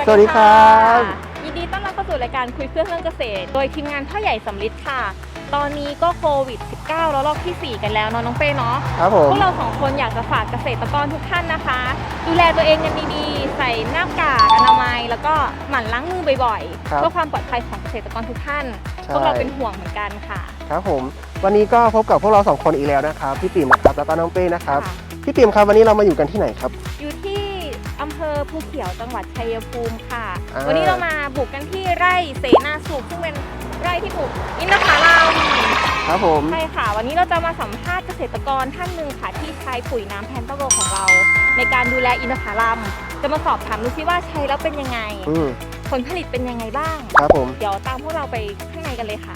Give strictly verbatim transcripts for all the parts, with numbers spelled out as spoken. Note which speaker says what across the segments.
Speaker 1: สวัสดีครับ
Speaker 2: ยินดีต้อนรับเข้าสู่รายการคุยเพื่อเรื่องเกษตรโดยทีมงานพ่อใหญ่สำลิดค่ะตอนนี้ก็โควิด สิบเก้า แล้วรอบที่สี่กันแล้วเนาะน้องเป้เนาะ
Speaker 1: ครับผม
Speaker 2: พวกเราสองคนอยากจะฝากเกษตรกรทุกท่านนะคะดูแลตัวเองกันดีๆใส่หน้ากากอนามัยแล้วก็หมั่นล้างมือบ่อยๆเพื่อความปลอดภัยของเกษตรกรทุกท่านพวกเราเป็นห่วงเหมือนกันค่ะ
Speaker 1: ครับผมวันนี้ก็พบกับพวกเราสองคนอีกแล้วนะครับพี่ติ๋มนะครับแล้วก็น้องเป้นะครับพี่ติ๋มครับวันนี้เรามาอยู่กันที่ไหนครับ
Speaker 2: อยู่ที่อำเภอภูเขียวจังหวัดชัยภูมิค่ะวันนี้เรามาบุกกันที่ไร่เสนาสุขซึ่งเป็นไร่ที่ปลูกอินทผลัม
Speaker 1: ครับผม
Speaker 2: ใช่ค่ะวันนี้เราจะมาสัมภาษณ์เกษตรกรท่านหนึ่งค่ะที่ใช้ปุ๋ยน้ำแพนตาโกของเราในการดูแลอินทผลัมจะมาสอบถามดูซิว่าใช้แล้วเป็นยังไงผลผลิตเป็นยังไงบ้าง
Speaker 1: ครับผม
Speaker 2: เดี๋ยวตามพวกเราไปข้างในกันเลยค่ะ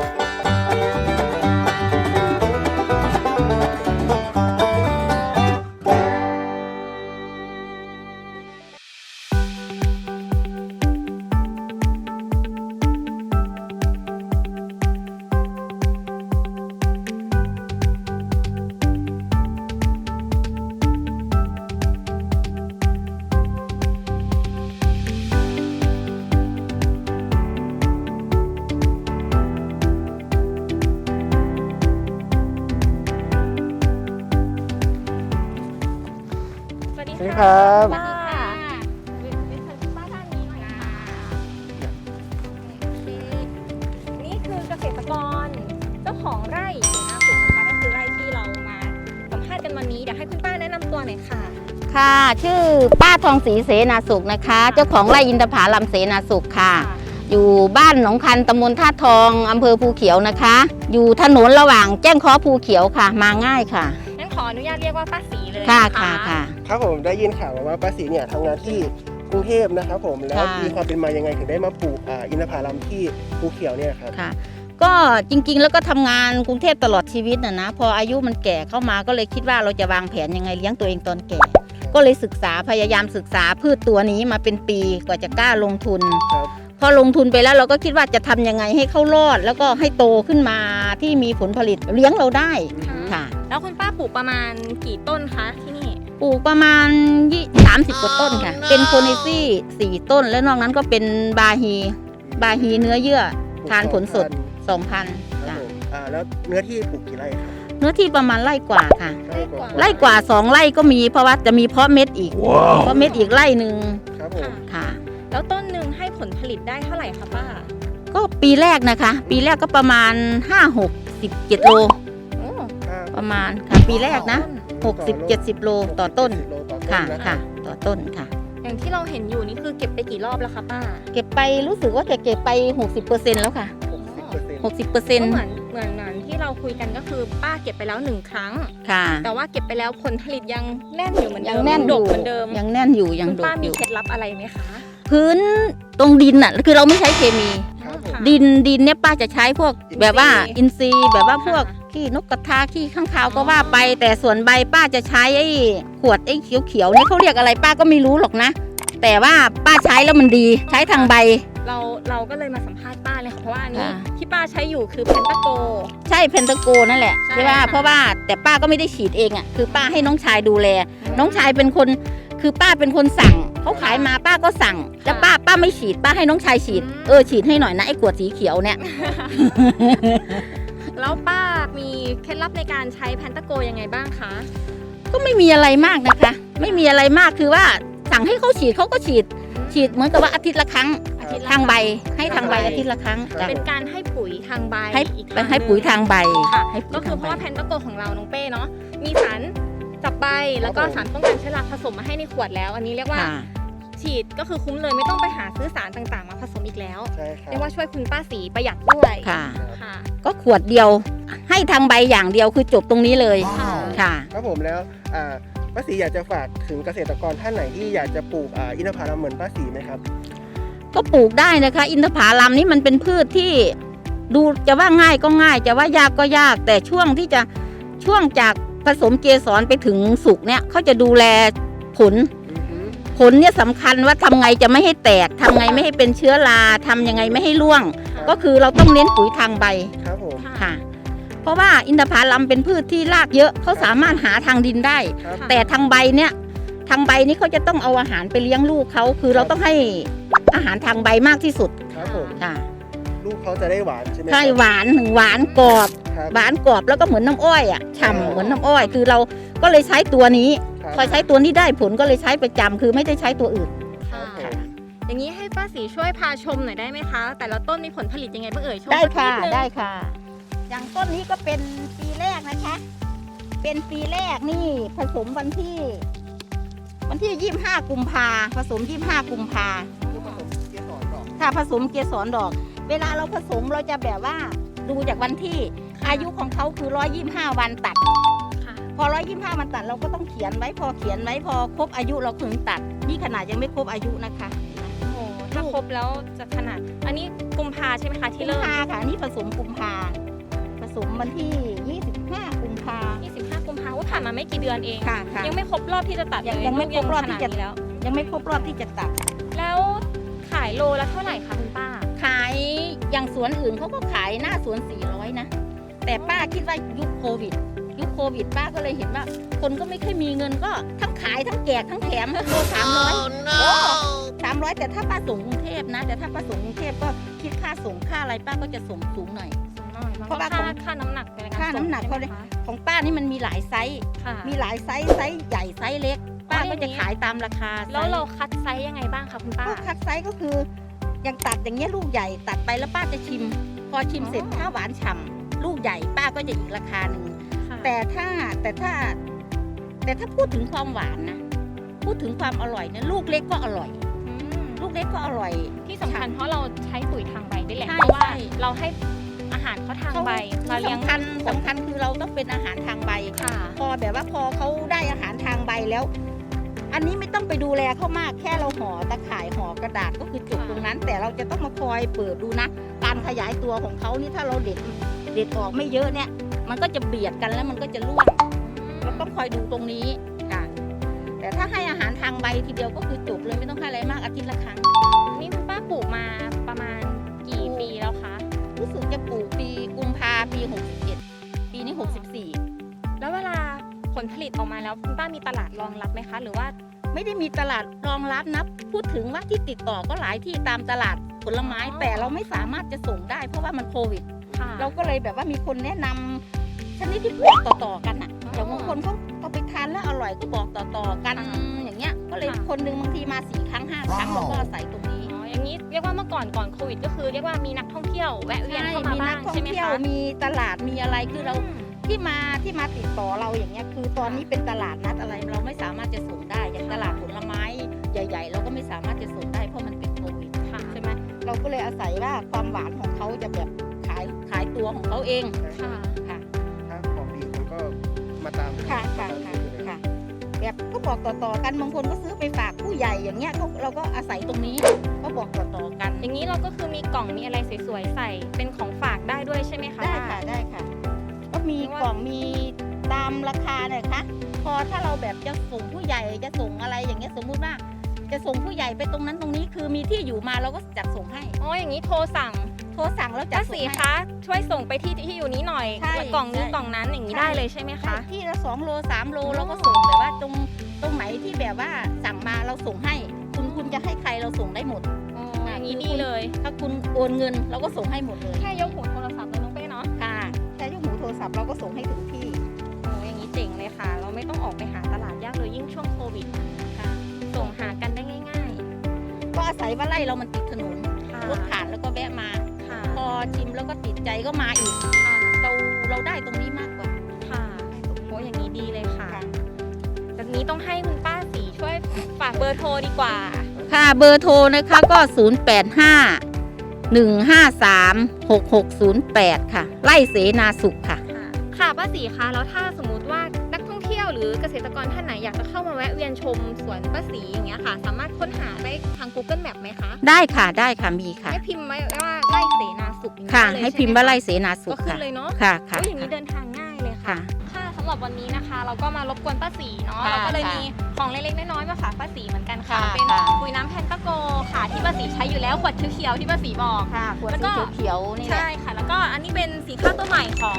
Speaker 1: สวัสดีครับ
Speaker 2: ป้าเรียนเชิญป้าท่านนี้หน่อยค่ะนี่คือเกษตรกรเจ้าของไร่เสนาสุขนะคะก็คือไร่ที่เรามาสัมภาษณ์กันวันนี้เดี๋ยวให้คุณป้าแนะนำตัวหน่อยค่ะ
Speaker 3: ค่ะชื่อป้าทองศรีเสนาสุขนะคะเจ้าของไร่อินทผลัมเสนาสุขค่ะอยู่บ้านหนองคันตำบลท่าทองอำเภอภูเขียวนะคะอยู่ถนนระหว่างแจ้งค้อภูเขียวค่ะมาง่ายค่ะ
Speaker 2: งั้นขออนุญาตเรียกว่าป้าศรีเลย
Speaker 3: ค่ะค่ะค่ะ
Speaker 1: ครับผมได้ยินข่าวว่าป้าศรีเนี่ยทำงานที่กรุงเทพนะครับผมแล้วมีความเป็นมายังไงถึงได้มาปลูกอินทผลัมที่ภูเขียวเนี่ยครับ
Speaker 3: ค่ะก็จริงๆแล้วก็ทำงานกรุงเทพตลอดชีวิตนะนะพออายุมันแก่เข้ามาก็เลยคิดว่าเราจะวางแผนยังไงเลี้ยงตัวเองตอนแก่ก็เลยศึกษาพยายามศึกษาพืชตัวนี้มาเป็นปีกว่าจะกล้าลงทุนพอลงทุนไปแล้วเราก็คิดว่าจะทำยังไงให้เขารอดแล้วก็ให้โตขึ้นมาที่มีผลผลิตเลี้ยงเราได้ค่ะ
Speaker 2: แล้วคุณป้าปลูกประมาณกี่ต้นคะที่นี่
Speaker 3: ปลูกประมาณสามสิบกว่าต้นค่ะเป็นโคเนซี่สี่ต้นแล้วนอกนั้นก็เป็นบาฮีบาฮีเนื้อเยื่อทานผลสดสองพัน
Speaker 1: จ้ะแล้วเนื้อที่ปลูกกี่ไร่ครับ
Speaker 3: เนื้อที่ประมาณไร่กว่าค่ะไร่กว่าสองไร่ก็มีเพราะว่าจะมีเพาะเม็ดอีกเพาะเม็ดอีกไร่หนึ่ง
Speaker 1: ครับผม
Speaker 3: ค่ะ
Speaker 2: แล้วต้นหนึ่งให้ผลผลิตได้เท่าไหร่คะป้า
Speaker 3: ก็ปีแรกนะคะปีแรกก็ประมาณห้าหกสิบเจ็ดโลประมาณค่ะปีแรกนะหกสิบเจ็ดสิบโลต่อต้นค่ะค่ะต่อต้นค่ะ
Speaker 2: อย่างที่เราเห็นอยู่นี่คือเก็บไปกี่รอบแล้วคะป้า
Speaker 3: เก็บไปรู้สึกว่าจะเก็บไปหกสิบเปอร์เซ็นต์แล้วค่ะหกสิบเปอร์เซ็นต์
Speaker 2: เหมือนเหมือนเหมือนที่เราคุยกันก็คือป้าเก็บไปแล้วหนึ่งครั้ง
Speaker 3: ค่ะ
Speaker 2: แต่ว่าเก็บไปแล้วผลผลิตยังแน่นอยู่เหมือนเดิม
Speaker 3: ยังแน่น
Speaker 2: ดกเหมือนเดิม
Speaker 3: ยังแน่นอยู่ยังดกอยู่
Speaker 2: ป้ามีเคล็ดลับอะไรไหมคะ
Speaker 3: พื้นตรงดินน่ะคือเราไม่ใช้เคมีดินดินเนี่ยป้าจะใช้พวกแบบว่าอินทรีย์แบบว่าพวกขี้นกกระทาขี้ข้างคาวก็ว่าไปแต่ส่วนใบป้าจะใช้ไอ้ขวดไอ้เขียวๆนี่เขาเรียกอะไรป้าก็ไม่รู้หรอกนะแต่ว่าป้าใช้แล้วมันดีใช้ทางใบ
Speaker 2: เราเราก็เลยมาสัมภาษณ์ป้าเลยค่ะเพราะว่าอันนี้ที่ป้าใช้อยู่คือเพนตาโก
Speaker 3: ใช่เพนตาโกนั่นแหละใช่ป่ะเพราะว่าแต่ป้าก็ไม่ได้ฉีดเองอ่ะคือป้าให้น้องชายดูแลน้องชายเป็นคนคือป้าเป็นคนสั่งเขาขายมาป้าก็สั่งแต่ป้าป้าไม่ฉีดป้าให้น้องชายฉีดเออฉีดให้หน่อยนะไอ้ขวดสีเขียวเนี่ย
Speaker 2: แล้วป้ามีเคล็ดลับในการใช้แพนตาโกยังไงบ้างคะ
Speaker 3: ก็ไม่มีอะไรมากนะคะไม่มีอะไรมากคือว่าสั่งให้เขาฉีดเขาก็ฉีดฉีดเหมือนกับว่าอาทิตย์ละครั้งทางใบให้ทางใบอาทิตย์ละครั้ง
Speaker 2: เป็นการให้ปุ๋ยทางใบ
Speaker 3: ให้ให้ปุ๋ยทางใบ
Speaker 2: ค่ะก็คือเพราะว่าแพนตาโกของเราน้องเป้เนาะมีสารจับใบแล้วก็สารป้องกันเชื้อราผสมมาให้ในขวดแล้วอันนี้เรียกว่าฉีดก็คือคุ้มเลยไม่ต้องไปหาซื้อสารต่างๆมาผสมอีกแล้วเรียกว่าช่วยคุณป้าศรีประหยัดด้วย
Speaker 3: ค่ะก็ขวดเดียวให้ทางใบอย่างเดียวคือจบตรงนี้เลยค่ะ
Speaker 1: ครับผมแล้วป้าศรีอยากจะฝากถึงเกษตรกรท่านไหนที่อยากจะปลูกอินทผลัมเหมือนป้าศรีไหมครับ
Speaker 3: ก็ปลูกได้นะคะอินทผลัมนี่มันเป็นพืชที่ดูจะว่าง่ายก็ง่ายจะว่ายากก็ยากแต่ช่วงที่จะช่วงจากผสมเกสรไปถึงสุกเนี่ยเขาจะดูแลผลผลเนี่ยสำคัญว่าทำไงจะไม่ให้แตกทำไงไม่ให้เป็นเชื้อราทำยังไงไม่ให้ร่วงก็คือเราต้องเน้นปุ๋ยทางใบค่ะเพราะว่าอินทผลัมเป็นพืชที่รากเยอะเขาสามารถหาทางดินได้แต่ทางใบเนี่ยทางใบนี่เขาจะต้องเอาอาหารไปเลี้ยงลูกเขาคือเราต้องให้อาหารทางใบมากที่สุด
Speaker 1: ครับผม
Speaker 3: ค่ะ
Speaker 1: ลูกเขาจะได้หวานใช่ไหม
Speaker 3: ใช่หวานหนึ่งหวานกรอบ
Speaker 1: ครับ
Speaker 3: หวานกรอบแล้วก็เหมือนน้ำอ้อยอ่ะฉ่ำเหมือนน้ำอ้อย คือเราก็เลยใช้ตัวนี้
Speaker 1: ครับ
Speaker 3: พอใช้ตัวนี้ได้ผลก็เลยใช้ประจำคือไม่ได้ใช้ตัวอื่น
Speaker 2: ค่ะ
Speaker 1: ครับ
Speaker 2: อย่างนี้ให้ป้าสีช่วยพาชมหน่อยได้ไหมคะ แต่ละต้นมีผลผลิตยังไงบ้างเอ่ยชม
Speaker 3: ได้
Speaker 2: สัก
Speaker 3: ค่ะ
Speaker 2: นินึง
Speaker 3: ได้ค่ะ อย่างต้นนี้ก็เป็นปีแรกนะคะ เป็นปีแรกนี่ผสมวันที่ วันที่ยี่สิบห้ากุมภาผสมยี่สิบห้ากุมภา
Speaker 1: คือผสมเกสรดอก
Speaker 3: ค่ะผสมเกสรดอก เวลาเราผสมเราจะแบบว่าดูจากวันที่อายุของเขาคือร้อยยี่สิบห้าวันตัด
Speaker 2: ค่ะ
Speaker 3: พอร้อยยี่สิบห้าวันตัดเราก็ต้องเขียนไว้พอเขียนไว้พอครบอายุเราถึงตัด นี่ขนาดยังไม่ครบอายุนะคะ
Speaker 2: โอ้โหถ้าครบแล้วจะขนาด อันนี้กุมภาใช่ไหมคะที่
Speaker 3: กุม
Speaker 2: เริ่ม
Speaker 3: ภาค่ะนี่ผสมกุมภาผสมวันที่ยี่สิบห้ากุมภา
Speaker 2: ยี่สิบห้ากุมภาว่าผ่านมาไม่กี่เดือนเอง
Speaker 3: ค่ะค่ะ
Speaker 2: ยังไม่ครบรอบที่จะตัด
Speaker 3: ยัง
Speaker 2: เลย
Speaker 3: ยังไม่ครบรอบที่จะ
Speaker 2: ขนาดนี้แล้ว
Speaker 3: ยังไม่ครบรอบที่จะตัด
Speaker 2: แล้วขายโลละเท่าไหร่คะคุณป้า
Speaker 3: ขายอย่างสวนอื่นเขาก็ขายหน้าสวนสี่ร้อยนะ แต่ป้าคิดว่ายุคโควิด ยุคโควิดป้าก็เลยเห็นว่า คนก็ไม่ค่อยมีเงินก็ทั้งขายทั้งแจกทั้งแถมโลสามร้อยโอ้สามร้อยแต่ถ้าป้าส่งกรุงเทพนะ แต่ถ้าป้าส่งกรุงเทพก็คิดค่าส่งค่าอะไรป้าก็จะส่งสูงหน่อย
Speaker 2: เพราะว่าค่าค่าน้ำหนักในกร
Speaker 3: ค่าน้ำหนัก
Speaker 2: ส่ง
Speaker 3: เขาเลย
Speaker 2: ใช่ไมคะ
Speaker 3: ของป้านี่มันมีหลายไซส์
Speaker 2: ค่ะ
Speaker 3: มีหลายไซส์ไซส์ใหญ่ไซส์เล็ก ป้าก็จะขายตามราคา
Speaker 2: แล้ว
Speaker 3: ไซส์
Speaker 2: เราคัดไซส์ยังไงบ้างคะคุณป้า
Speaker 3: ก็คัดไซส์ก็คืออย่างตัดอย่างเงี้ยลูกใหญ่ตัดไปแล้วป้าจะชิม พอชิมเสร็จ
Speaker 2: อ๋อ
Speaker 3: ถ้าหวานฉ่ำลูกใหญ่ป้าก็จะอีกราคาหนึ่ง
Speaker 2: ค่ะ
Speaker 3: แต่ถ้าแต่ถ้า แต่ถ้าพูดถึงความหวานนะพูดถึงความอร่อยเนี่ยลูกเล็กก็อร่อย
Speaker 2: อืม
Speaker 3: ลูกเล็กก็อร่อย
Speaker 2: ที่สำคัญเพราะเราใช้ปุ๋ยทางใบด้วยแหละ
Speaker 3: ใช่
Speaker 2: เพราะว่า
Speaker 3: ใช่
Speaker 2: เราให้อาหารเขาทางใบมาเลี้ยง
Speaker 3: สำคัญสำคัญคือเราต้องเป็นอาหารทางใบ
Speaker 2: ค่ะ
Speaker 3: พอแบบว่าพอเขาได้อาหารทางใบแล้ว อันนี้ไม่ต้องไปดูแลเขามากแค่เราห่อตะข่ายห่อกระดาษก็คือจบตรงนั้น แต่เราจะต้องมาคอยเปิดดูนะ การขยายตัวของเขานี่ถ้าเราเด็ดเด็ดออกไม่เยอะเนี่ย มันก็จะเบียดกันแล้วมันก็จะร่วงเราต้องคอยดูตรงนี้ค่ะแต่ถ้าให้อาหารทางใบทีเดียวก็คือจบเลยไม่ต้องให้อะไรมากอาทิตย์ละครั้ง
Speaker 2: นี่คุณป้าปลูกมาประมาณกี่ปีแล้วคะ
Speaker 3: รู้สึกจะปลูกปีกุมภาปีหกสิบเอ็ดปีนี้หกสิบสี่
Speaker 2: แล้วเวลาผลผลิตออกมาแล้วคุณป้ามีตลาดรองรับไหมคะ หรือว่า
Speaker 3: ไม่ได้มีตลาดรองรับนะพูดถึงว่าที่ติดต่อก็หลายที่ตามตลาดผลไม้
Speaker 2: อ๋อ
Speaker 3: แต่เราไม่สามารถจะส่งได้ เพราะว่ามันโควิด
Speaker 2: ค่ะ
Speaker 3: เราก็เลยแบบว่ามีคนแนะนำชนิดที่บอกต่อๆกันอ่ะ
Speaker 2: อ๋อ
Speaker 3: อย่างบางคนเขาเอาไปทานแล้วอร่อยก็บอกต่อๆกัน
Speaker 2: ค่ะ
Speaker 3: อย่างเงี้ยก็เลย
Speaker 2: ค่ะ
Speaker 3: คนหนึงบางทีมาสี่ครั้งห้าครั้งเราก็อาศัยตรงนี้
Speaker 2: อ๋ออย่างนี้เรียกว่าเมื่อก่อนก่อนโควิดก็คือเรียกว่ามีนักท่องเที่ยวแวะเวียนเข้ามา
Speaker 3: มี
Speaker 2: บ้า
Speaker 3: นั
Speaker 2: ง
Speaker 3: กท่อง
Speaker 2: ใช่ไหม
Speaker 3: เที่ยว
Speaker 2: คะ
Speaker 3: มีตลาดมีอะไรคือเรา
Speaker 2: ม
Speaker 3: ที่มาที่มาติดต่อเราอย่างเงี้ยคือตอนนี้เป็นตลาดนัดอะไรเราไม่สามารถจะส่งได้อย่างตลาดผลไม้ใหญ่ ๆ เราก็ไม่สามารถจะส่งได้เพราะมันเป็นโควิด
Speaker 2: ค่ะ
Speaker 3: ใช่ไหมเราก็เลยอาศัยว่าความหวานของเขาจะแบบขายขายตัวของเขาเอง
Speaker 2: ค่ะ
Speaker 3: ค่ะ
Speaker 1: ถ้าของดีคนก็มาตาม
Speaker 3: ค่ะค่ะค่ะค่ะแบบก็บอกต่อๆกันบางคนก็ซื้อไปฝากผู้ใหญ่อย่างเงี้ยเขาเราก็อาศัยตรงนี้ก็บอกต่อๆกัน
Speaker 2: อย่างนี้เราก็คือมีกล่องมีอะไรสวยๆใส่เป็นของฝากได้ด้วยใช่ไหมคะ
Speaker 3: ได้
Speaker 2: ป้า
Speaker 3: ค่ะได้ค่ะ ก็มีกล่องมีตามราคาเนี่ยค่ะพอถ้าเราแบบจะส่งผู้ใหญ่จะส่งอะไรอย่างเงี้ยสมมุติว่า จะส่งผู้ใหญ่ไปตรงนั้นตรงนี้คือมีที่อยู่มาเราก็จัดส่งให้
Speaker 2: อ๋ออย่างนี้โทรสั่ง
Speaker 3: โทรสั่งแล้วจั
Speaker 2: ป้า
Speaker 3: ดส่
Speaker 2: สี
Speaker 3: งให้
Speaker 2: คะช่วยส่งไปที่ที่อยู่นี้หน่อย
Speaker 3: ใช่
Speaker 2: กล่องนี้
Speaker 3: ใช่
Speaker 2: กล่องนั้นอย่างนี้
Speaker 3: ใช่
Speaker 2: ได้เลยใช่ไหมคะ
Speaker 3: ที่ละสองโลสามโล
Speaker 2: อ๋อ
Speaker 3: เราก็ส่งแบบว่าตรงตรงไหนที่แบบว่าสั่งมาเราส่งให้ คุณคุณจะให้ใครเราส่งได้หมด
Speaker 2: อ๋ออย่างนี้ดีเลย
Speaker 3: ถ้าคุณโอนเงินเราก็ส่งให้หมดเลย
Speaker 2: แค่ยกหูโทรศัพท์เลยน้องเป้เนาะ
Speaker 3: ค่ะแค่ยกหูโทรศัพท์เราก็ส่งให้ถึงที่
Speaker 2: โอ้อย่างนี้เจ๋งเลยค่ะ เราไม่ต้องออกไปหาตลาดยากเลยยิ่งช่วงโควิดค่ะส่งหากันได้ง่าย
Speaker 3: ก็อาศัยว่าไร่เรามันติดถนน
Speaker 2: ๆค่ะ
Speaker 3: รถผ่านแล้วก็แวะมา
Speaker 2: ค่ะ
Speaker 3: พอชิมแล้วก็ติดใจก็มาอีก
Speaker 2: ค่ะ
Speaker 3: เราเราได้ตรงนี้มากกว่า
Speaker 2: ค่ะโอ้อย่างนี้ดีเลยค่ะ
Speaker 3: ค่ะ
Speaker 2: แบบนี้ต้องให้คุณป้าสีช่วยฝากเบอร์โทรดีกว่า
Speaker 3: ค่ะเบอร์โทรนะคะก็ ศูนย์ แปด ห้า หนึ่ง ห้า สาม หก หก ศูนย์ แปด ค่ะ ไร่เสนาสุขค่ะ
Speaker 2: ค่ะค่ะป้าสีคะแล้วถ้าสมมุติว่านักท่องเที่ยวหรือเกษตรกรท่านไหนอยากจะเข้ามาแวะเวียนชมสวนป้าสีอย่างเงี้ยค่ะ สามารถค้นหาได้ทาง Google Map ไหมคะ
Speaker 3: ได้ค่ะได้ค่ะมีค่ะ
Speaker 2: ให้พิมพ์ไว้ว่าไร่เสนาสุขอย่างนี้
Speaker 3: ค่ะ
Speaker 2: ได้เลย
Speaker 3: ให้พิมพ์ว่าไร่
Speaker 2: ใช่ห
Speaker 3: เสนาสุ
Speaker 2: ก็
Speaker 3: ข
Speaker 2: ขึ้
Speaker 3: ค่ะ
Speaker 2: นเลยเนาะ
Speaker 3: ค่ะค่ะ
Speaker 2: โอ้ยอย่างนี้เดินทางง่ายเลยค่ะ
Speaker 3: ค่ะ
Speaker 2: ค่ะสำหรับวันนี้นะคะ เราก็มารบกวนป้าสีเนาะ
Speaker 3: ค่ะ
Speaker 2: เราก็เลย
Speaker 3: ค่ะ
Speaker 2: มีของเล็กๆน้อยๆมาฝากป้าสีเหมือนกันค่ะ
Speaker 3: ค่ะ
Speaker 2: เป็น
Speaker 3: ค่ะ
Speaker 2: ปุ๋ยน้ำแพนตาโกค่ะที่ป้าสีใช้อยู่แล้วขวดเขียวๆที่ป้าสีบอก
Speaker 3: ค่ะขวด
Speaker 2: แล้วก็
Speaker 3: สีเขียวๆนี่แหละ
Speaker 2: ใช่ค่ะ แล้วก็อันนี้เป็นสีข้าวตัวใหม่ของพวกเรา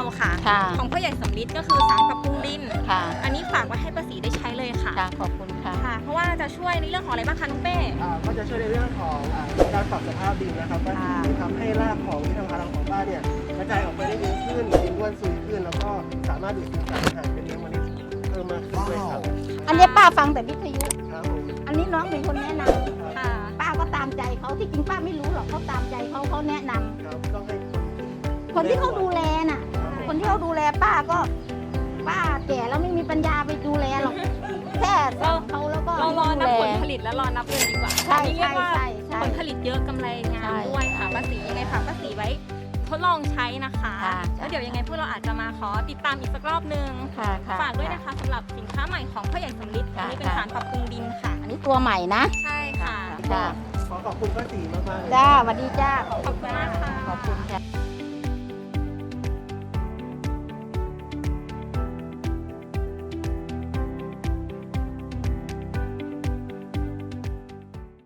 Speaker 2: ค่ะ
Speaker 3: ค่ะ
Speaker 2: ของพ่อใหญ่สำลิดก็คือสารปรับปรุงดิน
Speaker 3: ค่ะ
Speaker 2: อันนี้ฝากไว้ให้ป้าศรีได้ใช้เลยค่ะ
Speaker 3: ค่ะขอบคุณค่ะ
Speaker 2: ค่ะ เพราะว่าจะช่วยในเรื่องของอะไรบ้างคะน้องเป้
Speaker 1: อ่าก็จะช่วยในเรื่องของอ่าการปรับสภาพดินนะครับก็
Speaker 3: ค่ะ
Speaker 1: ทำให้รากของที่ทำพลังของป้าเนี่ยกระจายออกไปได้เยอะขึ้นดินร่วนซุยขึ้น แล้วก็สามารถดูดซึมสารอาหารเป็นเลี้ยงเมล็ดเพิ่มมากขึ้นด้วยครับ
Speaker 3: อันนี้ป้าฟังแต่วิทยุ
Speaker 1: ครับผม
Speaker 3: อันนี้น้องเป็นคนแนะน
Speaker 2: ค่ะ
Speaker 3: ำป้าก็ตามใจเขาที่จริงป้าไม่รู้หรอกเขาตามใจเขาเขาแนะนำ
Speaker 1: ครับต้องให้
Speaker 3: คนที่เขาดูแลน่ะ คนที่เขาดูแลป้าก็ป้าแก่แล้วไม่มีปัญญาไปดูแลหรอกแค่สั่งเขาแล้วก็
Speaker 2: เรารอนับ
Speaker 3: ดู
Speaker 2: ผ
Speaker 3: แล
Speaker 2: ลผลิตแล้วรอนับเงินดีกว่า
Speaker 3: ใช่
Speaker 2: อันนี้เรียกว่า
Speaker 3: ใช่ใช่
Speaker 2: ผลผลิตเยอะกำไรงาม
Speaker 3: ใช่
Speaker 2: ด้วยค่ะป้าศรียังไงฝากป้าศรีไว้ทดลองใช้นะคะ
Speaker 3: ค่ะ
Speaker 2: แล้วเดี๋ยวยังไงพวกเราอาจจะมาขอติดตามอีกสักรอบนึง
Speaker 3: ค่ะค่ะ
Speaker 2: ฝากด้วยนะคะสำหรับสินค้าใหม่ของพ่อใหญ่สำลิดอัน
Speaker 3: ค่ะ
Speaker 2: นี้เป็นสารปรับปรุงดินค่ะ
Speaker 3: อันนี้ตัวใหม่นะ
Speaker 2: ใช่ค่ะ
Speaker 3: จ้า
Speaker 1: ขอขอบคุณป้าศรีมากๆเลย
Speaker 3: จ้าสวัสดีจ้า
Speaker 2: ขอบคุณมากค่ะ
Speaker 3: ขอบคุณค่ะ